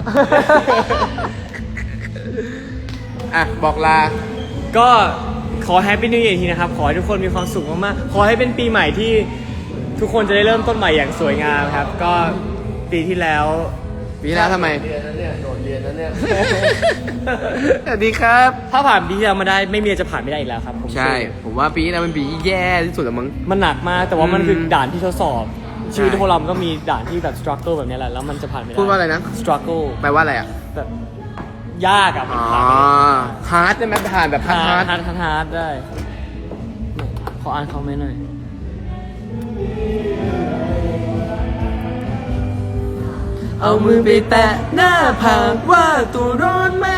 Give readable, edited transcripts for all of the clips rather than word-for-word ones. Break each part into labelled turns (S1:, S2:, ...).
S1: อ่ะบอกลา
S2: ก็ขอแฮปปี้นิว e ย r ทีนะครับขอให้ทุกคนมีความสุขมากๆขอให้เป็นปีใหม่ที่ทุกคนจะได้เริ่มต้นใหม่อย่างสวยงามครับก็ปีที่แล้ว
S1: ทำไม
S3: เรียนนั้นเนี่ยโดดเรียนนั้นเนี่ย
S1: สวัสดีครับ
S2: ถ้าผ่านปีที่แล้วมาได้ไม่มีอะไรจะผ่านไม่ได้อีกแล้วครับผม
S1: ใช่ ผมว่าปีนี้นะเป็นปีที่แย่ที่สุดแล้วมั้ง
S2: มันหนักมากแต่ว่ามันคือด่านที่ทดสอบ
S1: ใช่
S2: ชีวิตพวกเรามันก็มีด่านที่แบบ struggle แบบนี้แหละแล้วมันจะผ่านไม่ได้
S1: พูดว่าอะไรนะ
S2: struggle
S1: แปลว่าอะไรอ่ะ
S2: แบบยากอะมัน
S1: อ๋อ
S2: ผ่านไม่ได้
S1: ฮาร์ดได้ไหมผ่านแบบฮา
S2: ฮา
S1: ร์
S2: ร์
S1: ด
S2: ดฮาร์ดได้ขออ่านคอมเมนต์หน่อยเอามือไปแตะหน้าผากว่าตัวร้อนไหม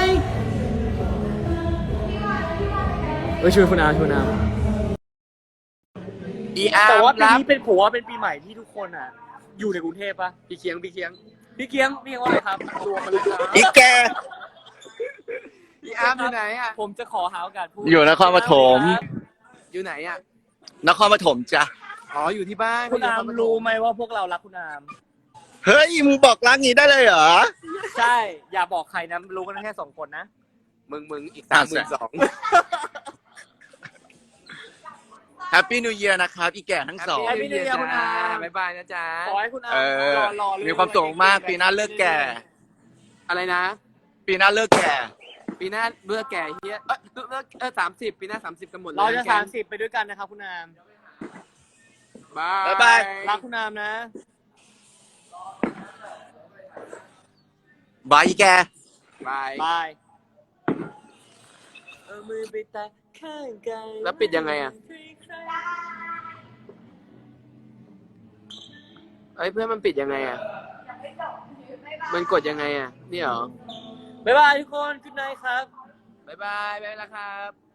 S2: ช่วยคุณอาช่วยคุณอา
S1: อีอาร์
S2: แต่ว่าปี
S1: รับ
S2: นี้เป็นผมว่าเป็นปีใหม่ที่ทุกคนอ่ะ อยู่ในกรุงเทพปะ
S1: พี่เคียง
S2: พี่เกียงว่าอะไรครับรวมมาเลยครับ
S3: อีแก
S1: อีอาร์อยู่ไหนอ่ะ
S2: ผมจะขอหาโอกาสพูด
S3: อยู่นครปฐม
S1: อยู่ไหนอ่ะ
S3: นครปฐมจ้ะ
S1: อ๋ออยู่ที่บ้าน
S2: คุณอามรู้ไหมว่าพวกเรารักคุณอาม
S3: เฮ้ยมึงบอกรักงี้ได้เลยเหรอ
S2: ใช่ อย่าบอกใครนะรู้กันแค่2 คนนะ
S1: มึงอีก
S3: อ่ะ
S1: 32,000
S3: แฮปปี้นิวเยียร์นะครับอีแก่ทั้งสอง
S2: Happy New Year คุณอา
S1: บ๊ายบายนะจ๊ะ
S2: ขอให้คุณอาม
S3: เออ
S2: รอเรื่อง
S3: มีความสุขมากปีหน้าเลิกแก่
S1: อะไรนะ
S3: ปีหน้าเลิกแก่
S1: ปีหน้าเลือกแก่เฮียเลิก30 ปีหน้า30กันหมดเลย
S2: เราจะ30ไปด้วยกันนะครับคุณอาม
S1: บ๊าย
S3: บาย
S2: รักคุณอามนะ
S3: บายอีแก
S1: บาย
S2: บายเอามือไปแตะข้างกาย
S1: แล้วปิดยังไงอะ เอ้ยเพื่อนมันปิดยังไงอ่ะ มันกดยังไงอ่ะ นี่เหรอ
S2: บ๊ายบายทุกคน good night ครับ
S1: บ๊ายบายแล้วครับ